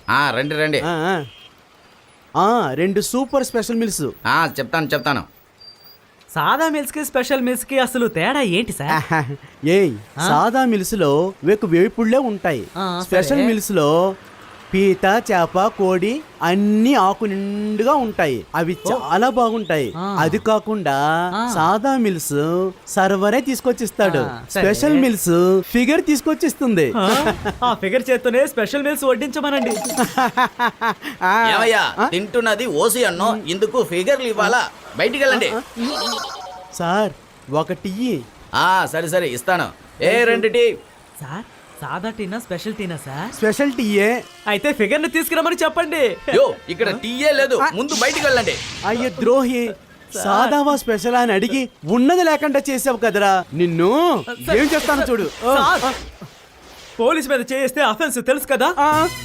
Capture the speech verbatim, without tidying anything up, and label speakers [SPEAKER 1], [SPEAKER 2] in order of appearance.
[SPEAKER 1] ఆ, రండి రండి.
[SPEAKER 2] ఆ, ఆ. ఆ, రెండు సూపర్ స్పెషల్ మిల్స్.
[SPEAKER 1] ఆ, చెప్తాను చెప్తాను.
[SPEAKER 3] సాదా మిల్స్ కి స్పెషల్ మిల్స్ కి అసలు తేడా ఏంటి సార్?
[SPEAKER 2] ఏయ్ సాదా మిల్స్ లో వేకు వేపుళ్ళే ఉంటాయి.
[SPEAKER 3] ఆ,
[SPEAKER 2] స్పెషల్
[SPEAKER 3] సరే.
[SPEAKER 2] మిల్స్ లో పీత చేప కోడి అన్ని ఆకు నిండుగా ఉంటాయి. అవి చాలా బాగుంటాయి.
[SPEAKER 3] ఆ.
[SPEAKER 2] అది కాకుండా
[SPEAKER 3] ఆ.
[SPEAKER 2] సాదా మిల్స్ సర్వరే తీసుకొచ్చిస్తాడు.
[SPEAKER 3] ఆ, సరే.
[SPEAKER 2] స్పెషల్ మిల్స్ ఫిగర్ తీసుకొచ్చిస్తుంది.
[SPEAKER 3] ఆ, ఆ ఫిగర్ చేత్తోనే స్పెషల్ మిల్స్ వడ్డించమనండి.
[SPEAKER 2] ఆ.
[SPEAKER 1] ఏమయ్యా
[SPEAKER 2] ఆ?
[SPEAKER 1] తింటున్నది ఓసి అన్నో, ఇందుకు ఫిగర్లు ఇవ్వాలా? బయటికి వెళ్ళండి.
[SPEAKER 2] సార్ ఒకటి ఇయ్యి.
[SPEAKER 1] ఆ, సరే సరే ఇస్తాను. ఏ రెండు టీ.
[SPEAKER 3] సార్ సాదా టీనా స్పెషల్ టీనా సార్?
[SPEAKER 2] స్పెషల్ టీయే.
[SPEAKER 3] అయితే ఫిగర్ ని తీసుకురమ్మని చెప్పండి.
[SPEAKER 1] యో ఇక్కడ టీయే లేదు, ముందు బయటికి వెళ్ళండి.
[SPEAKER 2] అయ్యో ద్రోహి, సాదావా స్పెషల్ అని అడిగి ఉన్నది లేకుండా చేసావు కదరా. నిన్ను ఏం చేస్తాను చూడు.
[SPEAKER 3] సార్, పోలీస్ మీద చేస్తే అఫెన్స్ తెలుసు కదా.
[SPEAKER 2] ఆ,